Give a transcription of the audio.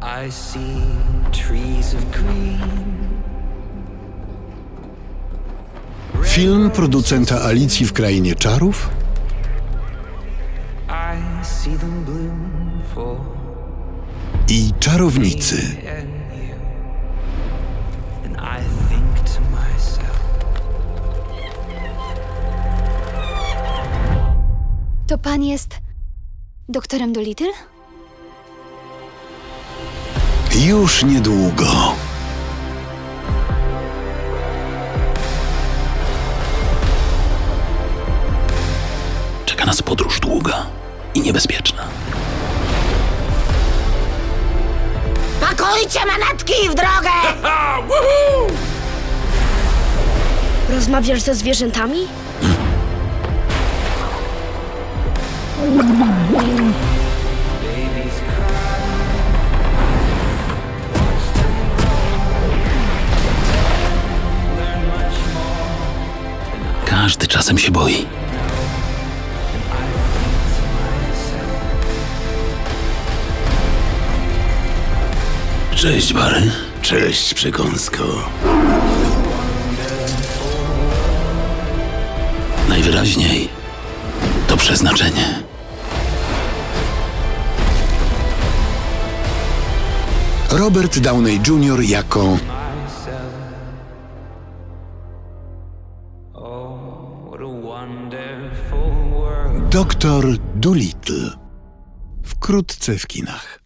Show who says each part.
Speaker 1: I see trees of green.
Speaker 2: Film producenta Alicji w Krainie Czarów
Speaker 1: I see them bloom for
Speaker 2: i Czarownicy.
Speaker 1: and you. And I think to myself,
Speaker 3: To pan jest doktorem Dolittle?
Speaker 2: Już niedługo.
Speaker 4: Czeka nas podróż długa i niebezpieczna.
Speaker 5: Pakujcie manatki w drogę! Rozmawiasz ze zwierzętami?
Speaker 1: babies cry. Learn much more.
Speaker 4: Każdy czasem się boi. Cześć, Barry.
Speaker 6: Cześć, przekąsko.
Speaker 4: Najwyraźniej to przeznaczenie.
Speaker 2: Robert Downey Jr. jako
Speaker 1: Oh, what a wonderful world.
Speaker 2: Doktor Dolittle. Wkrótce w kinach.